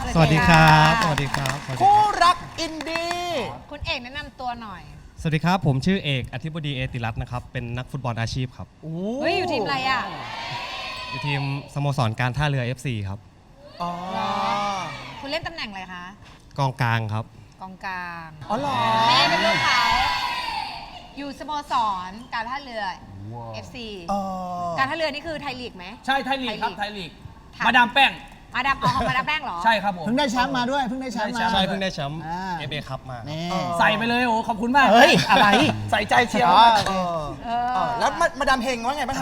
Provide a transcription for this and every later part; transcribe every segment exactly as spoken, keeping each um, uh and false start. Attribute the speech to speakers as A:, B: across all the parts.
A: สวัสดีครับสวัสดีครับ
B: คู่รักอินดี้
C: คุณเอกแนะนำตัวหน่อย
A: สวัสดีครับผมชื่อเอกอธิบดีเอติรัตน์นะครับเป็นนักฟุตบอลอาชีพครับ
C: เฮ้ยอยู่ทีมอะไรอ่ะ
A: อยู่ทีมสโมสรการท่าเรือ เอฟ ซี ครับ
B: อ๋อ
C: คุณเล่นตำแหน่งอะไรคะ
A: กองกลางครับ
C: กองกลาง
B: อ๋อเหรอ
C: แม่เป็นลูกเขาอยู่สโมสรการท่าเรือ เอฟ ซี การท่าเรือนี่คือไทยลีกไหม
D: ใช่ไทยลีกครับไทยลีกมาดามแป้ง
C: มาดามอ๋อมาดามแป้งเหรอ
D: ใช่ครับผม
B: เพิ่งได้แชมป์มาด้วยเพิ่งได้แชมป์มา
A: ใช่เพิ่งได้แชมป์เอฟเอคัพมา
D: ใส่ไปเลยโอ้ขอบคุณมาก
B: เฮ้ยอะไร
D: ใส่ใจเชียร์
B: แล้วมาดามเฮงว่าไงบ้าง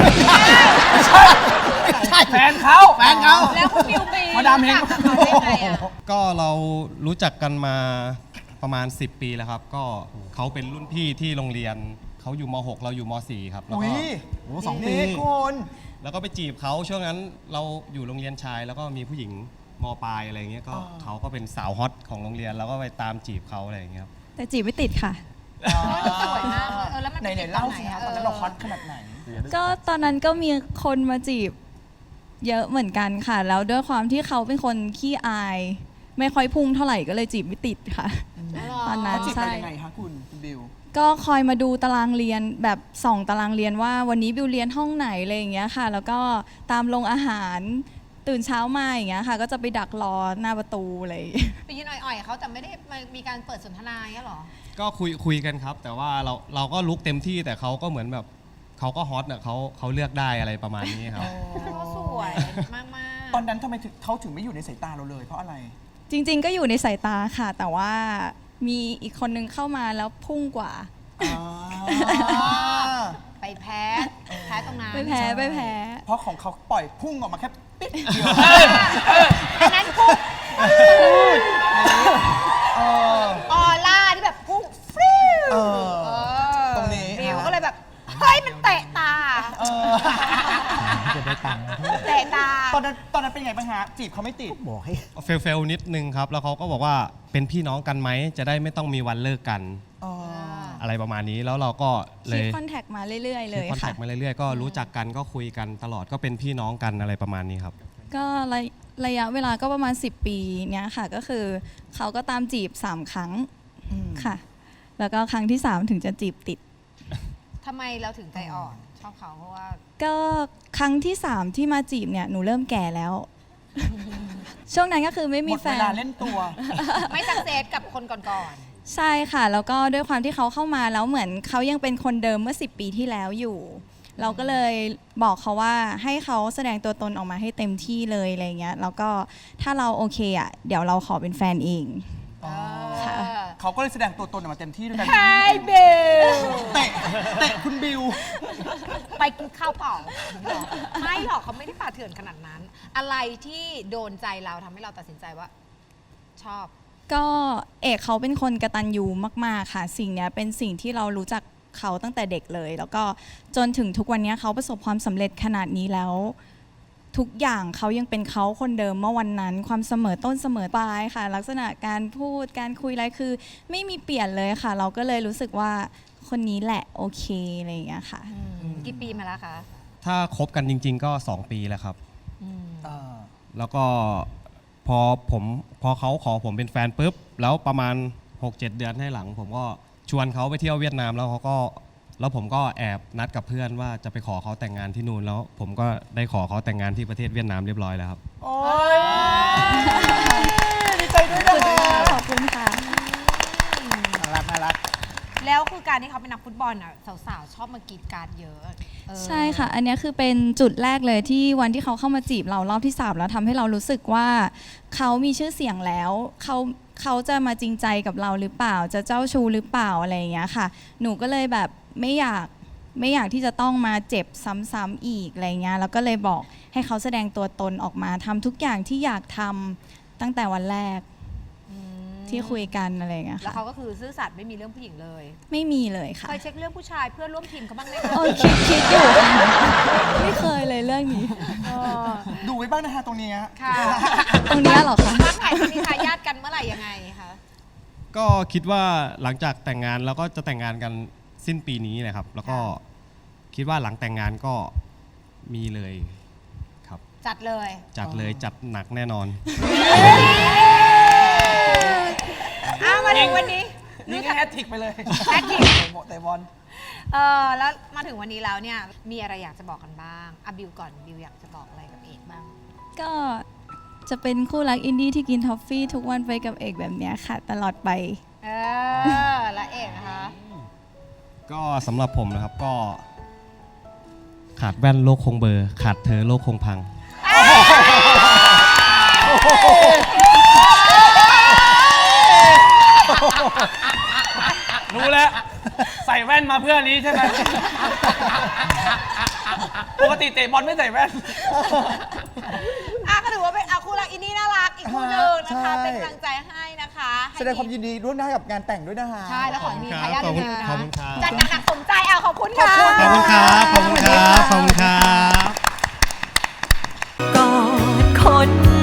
D: ใช่แฟนเขา
B: แฟนเขา
C: แล้วคุณบิวปี
D: มาดามเฮง
A: ก็เรารู้จักกันมาประมาณสิบปีแล้วครับก็เขาเป็นรุ่นพี่ที่โรงเรียนเขาอยู่ม หกเราอยู่ม สี่ครับแล้วก็
B: โอ้สองปีคน
A: แล้วก็ไปจีบเขาช่วงนั้นเราอยู่โรงเรียนชายแล้วก็มีผู้หญิงมปลายอะไรเงี้ยก็เขาก็เป็นสาวฮอตของโรงเรียนแล้วก็ไปตามจีบเขาอะไรอย่างเงี้ยครับ
E: แต่จีบไม่ติดค่ะ
C: สวยมากเลยเออแล้วมัน
B: ไหนไหนเล่าสิคะตอนนั้นเราฮอตขนาดไหน
E: ก็ตอนนั้นก็มีคนมาจีบเยอะเหมือนกันค่ะแล้วด้วยความที่เขาเป็นคนขี้อายไม่ค่อยพุ่งเท่าไหร่ก็เลยจีบไม่ติดค่ะตอนนั้น
B: ใช่ยังไงคะคุณบิว
E: ก็คอยมาดูตารางเรียนแบบส่องตารางเรียนว่าวันนี้บิวเรียนห้องไหนอะไรอย่างเงี้ยค่ะแล้วก็ตามลงอาหารตื่นเช้ามาอย่างเงี้ยค่ะก็จะไปดักรอหน้าประตูอะไร
C: ไปยืนอ่อยๆเขาแต่ไม่ได้มีการเปิดสนทนาเงี้ยหรอ
A: ก็คุยคุยกันครับแต่ว่าเราเราก็ลุกเต็มที่แต่เขาก็เหมือนแบบเขาก็ฮอตเนี่ยเขาเขาเลือกได้อะไรประมาณนี้ครับ
C: เขาสวยมากๆ
B: ตอนนั้นทำไมเขาถึงไม่อยู่ในสายตาเราเลยเพราะอะไร
E: จริงๆก็อยู่ในสายตาค่ะแต่ว่ามีอีกคนนึงเข้ามาแล้วพุ่งกว่า
C: ไปแพ้แพ้ตรงนั้น
E: ไปแพ้ไปแพ้
B: เพราะของเขาปล่อยพุ่งออกมาแค่ปิ๊ดเดียว
C: อันนั้นพุ่งออร่าที่แบบพุ่งฟริ้ว
B: ตรงนี้
C: บิวก็เลยแบบเฮ้ยมันเตะตา
A: จะได้ตังค์
C: เตะตา
B: ตอนนั้นตอนนั้นเป็นไงบ้างฮะจีบเขาไม่ติด
A: บอกให้เฟลเฟลนิดนึงครับแล้วเขาก็บอกว่าเป็นพี่น้องกันไหมจะได้ไม่ต้องมีวันเลิกกันอะไรประมาณนี้แล้วเราก็เลย
E: คอนแทคมาเรื่อยๆเลยค่ะ
A: คอนแทคมาเรื่อยๆก็รู้จักกันก็คุยกันตลอดก็เป็นพี่น้องกันอะไรประมาณนี้ครับ
E: ก็ระยะเวลาก็ประมาณสิบปีเนี้ยค่ะก็คือเขาก็ตามจีบสามครั้งค่ะแล้วก็ครั้งที่สามถึงจะจีบติด
C: ทำไมเราถึงใจอ่อนชอบเขาเพราะว่า
E: ก็ครั้งที่สามที่มาจีบเนี่ยหนูเริ่มแก่แล้วช่วงนั้นก็คือไม่มีแฟน
B: หมดเวลาเล่นตัว
C: ไม่สักเซสกับคนก่อน
E: ๆใช่ค่ะแล้วก็ด้วยความที่เขาเข้ามาแล้วเหมือนเขายังเป็นคนเดิมเมื่อสิบปีที่แล้วอยู่เราก็เลยบอกเขาว่าให้เขาแสดงตัวตนออกมาให้เต็มที่เลยอะไรเงี้ยแล้วก็ถ้าเราโอเคอ่ะเดี๋ยวเราขอเป็นแฟนเอง
B: ค่ะเขาก็เลยแสดงตัวตนออกมาเต็มที่ด้วยกัน
C: ไฮบิว
B: เตะเตะคุณบิว
C: ไปกินข้าวเปล่าไม่หรอกเขาไม่ได้ป่าเถื่อนขนาดนั้นอะไรที่โดนใจเราทำให้เราตัดสินใจว่าชอบ
E: ก็เอกเขาเป็นคนกตัญญูมากๆค่ะสิ่งนี้เป็นสิ่งที่เรารู้จักเขาตั้งแต่เด็กเลยแล้วก็จนถึงทุกวันนี้เขาประสบความสำเร็จขนาดนี้แล้วทุกอย่างเขายังเป็นเขาคนเดิมเมื่อวันนั้นความเสมอต้นเสมอปลายค่ะลักษณะการพูดการคุยอะไรคือไม่มีเปลี่ยนเลยค่ะเราก็เลยรู้สึกว่าคนนี้แหละโอเคอะไรอย่างเงี้ยค่ะ
C: กี่ปีมาแล้วคะ
A: ถ้าคบกันจริงๆก็สองปีแล้วครับแล้วก็พอผมพอเขาขอผมเป็นแฟนปุ๊บแล้วประมาณ หกเจ็ด เดือนให้หลังผมก็ชวนเขาไปเที่ยวเวียดนามแล้วเขาก็แล้วผมก็แอบนัดกับเพื่อนว่าจะไปขอเขาแต่งงานที่นู่นแล้วผมก็ได้ขอเขาแต่งงานที่ประเทศเวียดนามเรียบร้อยแล้วครับ
B: โอ้ยดีใจด้วยนะ
E: ขอบคุณค่ะ
B: น่ารักน่ารัก
C: แล้วคือการที่เขาเป็นนักฟุตบอลอ่ะสาวๆชอบมากรีดการ์ดเยอะ
E: ใช่ค่ะอันนี้คือเป็นจุดแรกเลยที่วันที่เขาเข้ามาจีบเรารอบที่สามแล้วทำให้เรารู้สึกว่าเขามีชื่อเสียงแล้วเขาเขาจะมาจริงใจกับเราหรือเปล่าจะเจ้าชู้หรือเปล่าอะไรอย่างเงี้ยค่ะหนูก็เลยแบบไม่อยากไม่อยากที่จะต้องมาเจ็บซ้ำๆอีกอะไรเงี้ยแล้วก็เลยบอกให้เขาแสดงตัวตนออกมาทำทุกอย่างที่อยากทำตั้งแต่วันแรกที่คุยกันอะไรเงี้ยค่ะ
C: แล้วเขาก็คือซื่อสัตย์ไม่มีเรื่องผู้หญิงเลย
E: ไม่มีเลยค่ะ
C: เคยเช็คเรื่องผู้ชายเพื่อนร่วมทีมเขาบ้างไหมคะ
E: คิดคิดอยู่ไม่เคยเลยเรื่องนี้
B: ดูไว้บ้างนะคะตรงนี้
C: ค่ะ
E: ตรงนี้หรอคะ
C: วางแผนจะมีทายาทกันเมื่อไหร่ยังไงคะ
A: ก็คิดว่าหลังจากแต่งงานแล้วก็จะแต่งงานกันสิ้นปีนี้เลยครับแล้วก็คิดว่าหลังแต่งงานก็มีเลยครับ
C: จัดเลย
A: จัดเลยจัดหนักแน่นอน
C: ถึงวันนี้
B: นี่ก็แฮตทริกไปเลย
C: แฮตทริก
B: แต่บอล
C: เออแล้วมาถึงวันนี้แล้วเนี่ยมีอะไรอยากจะบอกกันบ้างอะบิวก่อนบิวอยากจะบอกอะไรกับเอกบ้าง
E: ก็จะเป็นคู่รักอินดี้ที่กินทอฟฟี่ทุกวันไปกับเอกแบบเนี้ยค่ะ ตลอดไป
C: เออแล้วเอกนะคะ
A: ก็สำหรับผมนะครับก็ ขาดแว่นโลกคงเบลอร์ขาดเธอโลกคงพัง
D: รู้แล้ว ใส่แว่นมาเพื่อนี้ใช่ไหม ปกติเตะบอลไม่ใส่แว่น
C: อ่ะก็ถือว่าเป็นอาคู่รักอินดี้น่ารักอีกคู่หนึ่งนะคะ
F: ใช่
C: เป็นกำลังใจให้นะคะให้
F: แสดงความยินดีร่วมหน้ากับงานแต่งด้วยนะคะ
C: ใช่แล้วขอให้มีทายาท
A: ขอบคุณ
C: เร็วๆ
A: ขอบ
C: นะ
A: คุณครับ
C: จัดหนักๆสมใจเอาขอบคุณค่ะ
A: ขอบคุณครับ ขอบคุณครับ ขอบคุณครับ
G: กอดคน